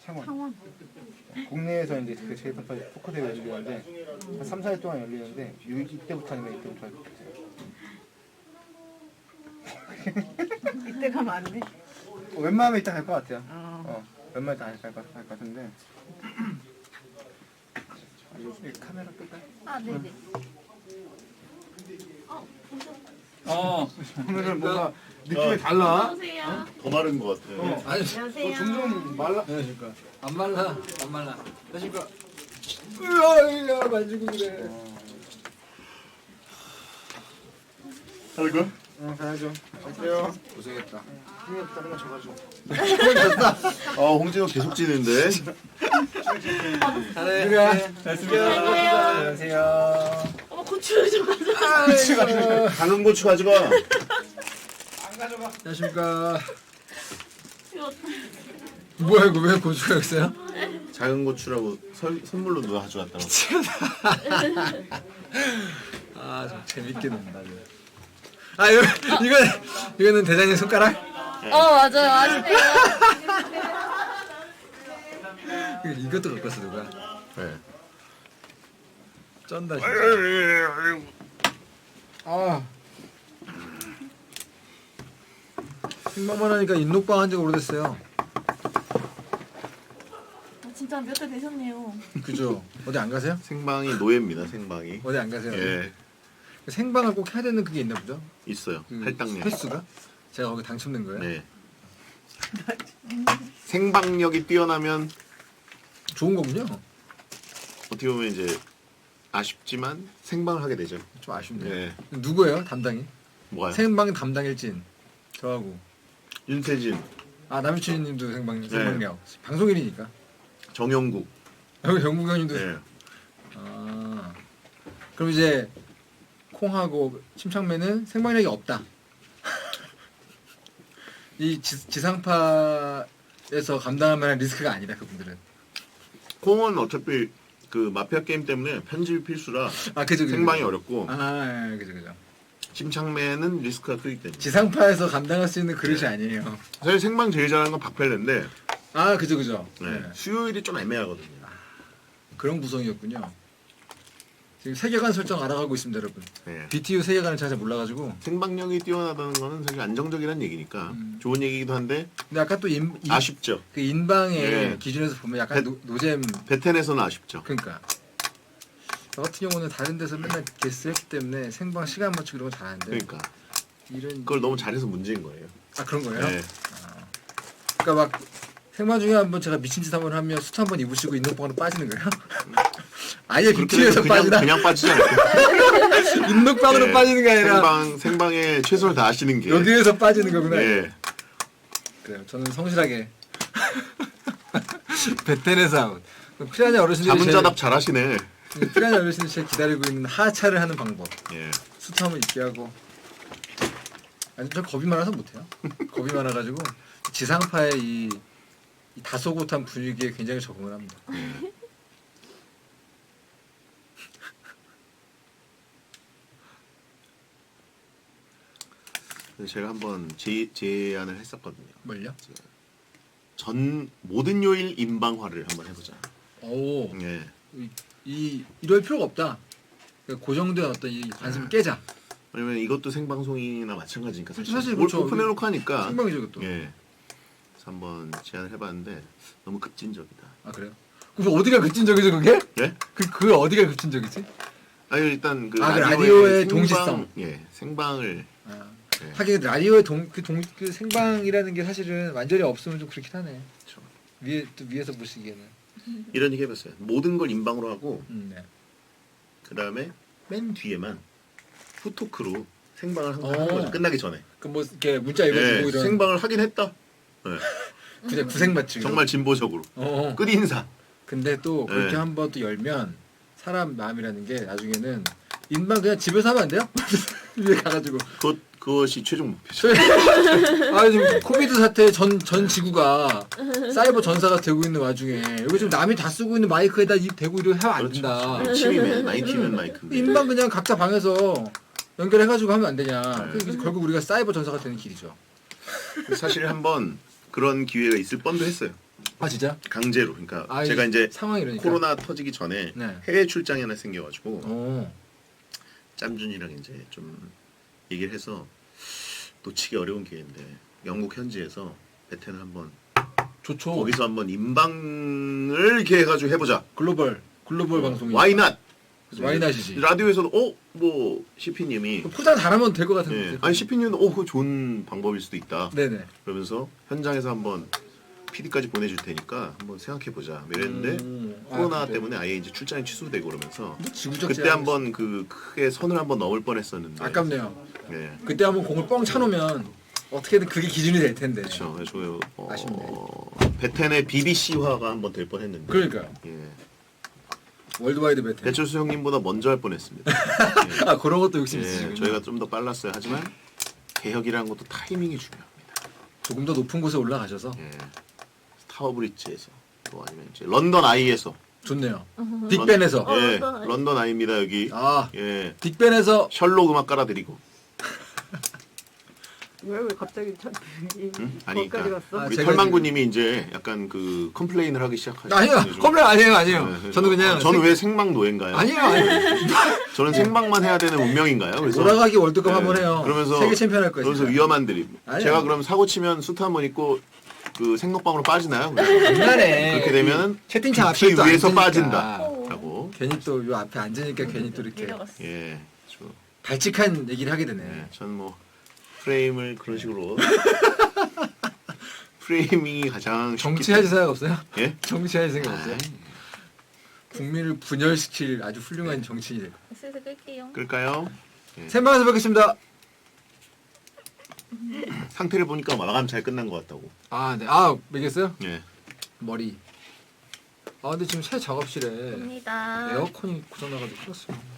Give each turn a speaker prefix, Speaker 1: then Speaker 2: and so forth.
Speaker 1: 창원. 국내에서 이제 그 제3파 포커 대회 열리는데 한 3, 4일 동안 열리는데 이때부터 아니면 이때부터 할 것 같아요.
Speaker 2: 이때 가면 안 돼?
Speaker 1: 웬만하면 이따 갈 것 같아요. 웬만하면 이따 갈 것 같은데. 이 카메라 끌까요?
Speaker 2: 아, 네네.
Speaker 1: 오늘은 뭔가 느낌이 달라.
Speaker 2: 안녕하세요.
Speaker 3: 더 마른 것 같아.
Speaker 4: 아니,
Speaker 2: 안녕하세요.
Speaker 1: 점점 말라.
Speaker 4: 안녕하십니까. 안 말라, 안 말라. 안녕하십니까. 으아, 만지고 그래.
Speaker 3: 할 거야?
Speaker 1: 응, 가야죠. 갈게요.
Speaker 4: 고생했다.
Speaker 1: 힘이 없다는 건 져가지고.
Speaker 3: 홍진호 계속 찌는데.
Speaker 4: 잘해.
Speaker 1: 안녕하세요.
Speaker 2: 어머, 고추를 좀 가져와.
Speaker 3: 당근 고추 가져가.
Speaker 4: 안녕하십니까.
Speaker 2: 이거
Speaker 4: 뭐야, 이거 왜 고추가 있어요?
Speaker 3: 작은 고추라고 선물로 누가 가져왔다고.
Speaker 4: 아, 좀 재밌게 논다. 아, 이거는 대장님 손가락?
Speaker 2: 맞아요. 아시네요.
Speaker 4: 이것도 갖고 왔어, 누가?
Speaker 3: 네.
Speaker 4: 쩐다, 진짜. 아. 생방만 하니까 인녹방 한 지 오래됐어요.
Speaker 2: 진짜 몇 달 되셨네요.
Speaker 4: 그죠? 어디 안 가세요?
Speaker 3: 생방이 노예입니다. 생방이.
Speaker 4: 어디 안 가세요?
Speaker 3: 예,
Speaker 4: 생방을 꼭 해야 되는 그게 있나 보죠?
Speaker 3: 있어요.
Speaker 4: 그
Speaker 3: 할당량.
Speaker 4: 횟수가? 제가 거기 당첨된 거예요?
Speaker 3: 네. 생방력이 뛰어나면
Speaker 4: 좋은 거군요.
Speaker 3: 어떻게 보면 이제 아쉽지만 생방을 하게 되죠.
Speaker 4: 좀 아쉽네요.
Speaker 3: 네.
Speaker 4: 누구예요? 담당이?
Speaker 3: 뭐가요?
Speaker 4: 생방 담당 일진. 저하고.
Speaker 3: 윤태진,
Speaker 4: 아, 남유춘 님도
Speaker 3: 네.
Speaker 4: 생방력. 방송일이니까.
Speaker 3: 정영국.
Speaker 4: 영국 형님도.
Speaker 3: 네.
Speaker 4: 아. 그럼 이제 콩하고 침착맨은 생방력이 없다. 이 지상파에서 감당할 만한 리스크가 아니다, 그분들은.
Speaker 3: 콩은 어차피 그 마피아 게임 때문에 편집이 필수라
Speaker 4: 아, 그죠.
Speaker 3: 생방이 어렵고,
Speaker 4: 아, 예, 그죠.
Speaker 3: 침착맨은 리스크가 크기 때문에.
Speaker 4: 지상파에서 감당할 수 있는 그릇이 아니에요.
Speaker 3: 사실 생방 제일 잘하는 건 박펠레인데,
Speaker 4: 아, 그죠.
Speaker 3: 네.
Speaker 4: 네.
Speaker 3: 수요일이 좀 애매하거든요.
Speaker 4: 그런 구성이었군요. 지금 세계관 설정 알아가고 있습니다, 여러분.
Speaker 3: 네.
Speaker 4: BTU 세계관을 잘 몰라가지고.
Speaker 3: 생방력이 뛰어나다는 거는 사실 안정적이라는 얘기니까 좋은 얘기이기도 한데
Speaker 4: 근데 아까 또
Speaker 3: 아쉽죠.
Speaker 4: 그 인방의
Speaker 3: 네.
Speaker 4: 기준에서 보면 약간 노잼.
Speaker 3: 베텐에서는 아쉽죠.
Speaker 4: 그러니까. 저 같은 경우는 다른 데서 맨날 게스트 했기 때문에 생방 시간 맞추고 이런 거 잘하는데.
Speaker 3: 그러니까
Speaker 4: 이런.
Speaker 3: 그걸 너무 잘해서 문제인 거예요.
Speaker 4: 아, 그런 거예요?
Speaker 3: 네.
Speaker 4: 그러니까 막 생방 중에 한번 제가 미친 짓 한번 하면 수트 한번 입으시고 인녹방으로 빠지는 거예요? 아예 BTU에서 빠지나?
Speaker 3: 그냥 빠지지 않을까?
Speaker 4: 인녹방으로
Speaker 3: 네.
Speaker 4: 빠지는 게 아니라
Speaker 3: 생방에 최선을 다하시는 게.
Speaker 4: 여기에서 빠지는 거구나.
Speaker 3: 네.
Speaker 4: 그래요. 저는 성실하게 베텐에서 아웃. 피라냐 어르신들이
Speaker 3: 자문자답 잘하시네.
Speaker 4: 피라냐 어르신들이 제일 기다리고 있는 하차를 하는 방법.
Speaker 3: 예.
Speaker 4: 수트 한번 입게 하고. 아니, 저 겁이 많아서 못해요. 겁이 많아가지고 지상파의 이 다소곳한 분위기에 굉장히 적응을 합니다.
Speaker 3: 그래서 제가 한번 제안을 했었거든요.
Speaker 4: 뭘요?
Speaker 3: 모든 요일 인방화를 한번 해보자.
Speaker 4: 오,
Speaker 3: 예.
Speaker 4: 이럴 필요가 없다. 그러니까 고정된 어떤 이 관심을 깨자.
Speaker 3: 왜냐면 이것도 생방송이나 마찬가지니까
Speaker 4: 사실 그렇죠.
Speaker 3: 오픈해놓고 하니까.
Speaker 4: 생방이죠, 그것도.
Speaker 3: 예. 그래서 한번 제안을 해봤는데 너무 급진적이다.
Speaker 4: 아, 그래요? 그럼 어디가 급진적이죠, 그게?
Speaker 3: 예?
Speaker 4: 그게 어디가 급진적이지?
Speaker 3: 아니 일단 그
Speaker 4: 라디오의 동시성.
Speaker 3: 예, 생방을.
Speaker 4: 아,
Speaker 3: 네.
Speaker 4: 하긴 라디오의 그 생방이라는 게 사실은 완전히 없으면 좀 그렇긴 하네.
Speaker 3: 그렇죠.
Speaker 4: 위에서 보시기에는.
Speaker 3: 이런 얘기 해봤어요. 모든 걸 인방으로 하고
Speaker 4: 네.
Speaker 3: 그 다음에 맨 뒤에만 후토크로 생방을 항상
Speaker 4: 어.
Speaker 3: 하는 거죠. 끝나기 전에.
Speaker 4: 그 뭐 이렇게 문자 읽어주고
Speaker 3: 예,
Speaker 4: 이런.
Speaker 3: 생방을 하긴 했다. 예,
Speaker 4: 그냥 구색 맞추기.
Speaker 3: 정말 진보적으로.
Speaker 4: 어.
Speaker 3: 끝 인사.
Speaker 4: 근데 또 그렇게
Speaker 3: 네.
Speaker 4: 한번 또 열면 사람 마음이라는 게 나중에는 인방 그냥 집에서 하면 안 돼요? 위에 가가지고.
Speaker 3: 그것이 최종 목표죠.
Speaker 4: 아, 지금 코비드 사태 전 지구가 사이버 전사가 되고 있는 와중에 여기 지금 남이 다 쓰고 있는 마이크에다 입 대고 이러면 하면 안 된다.
Speaker 3: 침이면 나이티면 마이크.
Speaker 4: 인방 그냥 각자 방에서 연결해가지고 하면 안 되냐.
Speaker 3: 네.
Speaker 4: 그 결국 우리가 사이버 전사가 되는 길이죠.
Speaker 3: 사실 한번 그런 기회가 있을 뻔도 했어요.
Speaker 4: 아 진짜?
Speaker 3: 강제로. 그러니까
Speaker 4: 아,
Speaker 3: 제가 이제
Speaker 4: 상황이 이러니까.
Speaker 3: 코로나 터지기 전에
Speaker 4: 네.
Speaker 3: 해외 출장이 하나 생겨가지고
Speaker 4: 오.
Speaker 3: 짬준이랑 이제 좀 얘기를 해서 놓치기 어려운 기회인데 영국 현지에서 베텐을 한번
Speaker 4: 좋죠.
Speaker 3: 거기서 한번 인방을 이렇게 해가지고 해보자.
Speaker 4: 글로벌 방송이.
Speaker 3: Why not?
Speaker 4: 와이낫이지.
Speaker 3: 라디오에서도 뭐 CP님이
Speaker 4: 포장 잘하면 될 것 같은데.
Speaker 3: 예, 아니 CP님도 그거 좋은 방법일 수도 있다.
Speaker 4: 네네.
Speaker 3: 그러면서 현장에서 한번 PD까지 보내줄 테니까 한번 생각해 보자. 이랬는데 코로나
Speaker 4: 그래.
Speaker 3: 때문에 아예 이제 출장이 취소되고 그러면서
Speaker 4: 지구적
Speaker 3: 그때
Speaker 4: 제한.
Speaker 3: 한번 그 크게 선을 한번 넘을 뻔했었는데.
Speaker 4: 아깝네요.
Speaker 3: 예.
Speaker 4: 그때 한번 공을 뻥 차놓으면 어떻게든 그게 기준이 될 텐데.
Speaker 3: 그렇죠. 저
Speaker 4: 아쉽네.
Speaker 3: 베텐의 BBC화가 한번 될 뻔했는데.
Speaker 4: 그러니까요.
Speaker 3: 예.
Speaker 4: 월드와이드 베텐.
Speaker 3: 배철수 형님보다 먼저 할 뻔했습니다.
Speaker 4: 아 그런 것도 욕심
Speaker 3: 예,
Speaker 4: 있으시군요.
Speaker 3: 저희가 좀 더 빨랐어요. 하지만 개혁이라는 것도 타이밍이 중요합니다.
Speaker 4: 조금 더 높은 곳에 올라가셔서
Speaker 3: 예. 타워 브릿지에서 또 아니면 이제 런던 아이에서
Speaker 4: 좋네요. 빅벤에서.
Speaker 3: 예,
Speaker 2: 런던 아이.
Speaker 3: 런던 아이입니다 여기.
Speaker 4: 아
Speaker 3: 예,
Speaker 4: 빅벤에서
Speaker 3: 셜록 음악 깔아드리고.
Speaker 5: 왜 갑자기
Speaker 3: 아니,
Speaker 5: 거기까지
Speaker 3: 그러니까
Speaker 5: 갔어?
Speaker 4: 아,
Speaker 3: 우리
Speaker 4: 제가
Speaker 3: 털망구님이 이제 약간 그 컴플레인을 하기 시작하셨어요.
Speaker 4: 아니요 컴플레인 아니에요.
Speaker 3: 네,
Speaker 4: 저는 그냥
Speaker 3: 저는 왜 생방 노예인가요?
Speaker 4: 아니에요.
Speaker 3: 저는 생방만 해야 되는 운명인가요? 그래서
Speaker 4: 돌아가기 월드컵
Speaker 3: 네,
Speaker 4: 한번 해요.
Speaker 3: 그러면서
Speaker 4: 세계 챔피언 할 거예요.
Speaker 3: 그러면서
Speaker 4: 진짜.
Speaker 3: 위험한 드립.
Speaker 4: 아니요.
Speaker 3: 제가 그럼 사고 치면 수트 한 번 입고 그 생록방으로 빠지나요?
Speaker 4: 장난해.
Speaker 3: 그렇게 되면
Speaker 4: 채팅창
Speaker 3: 뷰티
Speaker 4: 앞에 또
Speaker 3: 위에서
Speaker 4: 앉으니까.
Speaker 3: 빠진다라고.
Speaker 4: 괜히 또 요 앞에 앉으니까 괜히 또 이렇게
Speaker 2: 내려갔어.
Speaker 3: 예, 저,
Speaker 4: 발칙한 얘기를 하게 되네.
Speaker 3: 예, 전뭐 프레임을 그런 식으로 프레이밍이 가장 쉽기
Speaker 4: 정치하실 생각 없어요?
Speaker 3: 때문에- 예?
Speaker 4: 정치하실 생각 없어요?
Speaker 3: 아이,
Speaker 4: 국민을 분열시킬 아주 훌륭한 정치인이 될 거예요.
Speaker 2: 슬슬 끌게요.
Speaker 3: 끌까요?
Speaker 4: 생방에서 뵙겠습니다.
Speaker 3: 상태를 보니까 마감 잘 끝난 것 같다고.
Speaker 4: 아, 네. 아, 매겠어요?
Speaker 3: 예.
Speaker 4: 머리. 아, 근데 지금 새 작업실에
Speaker 2: 갑니다.
Speaker 4: 에어컨이 고장나가지고 큰일 났어요.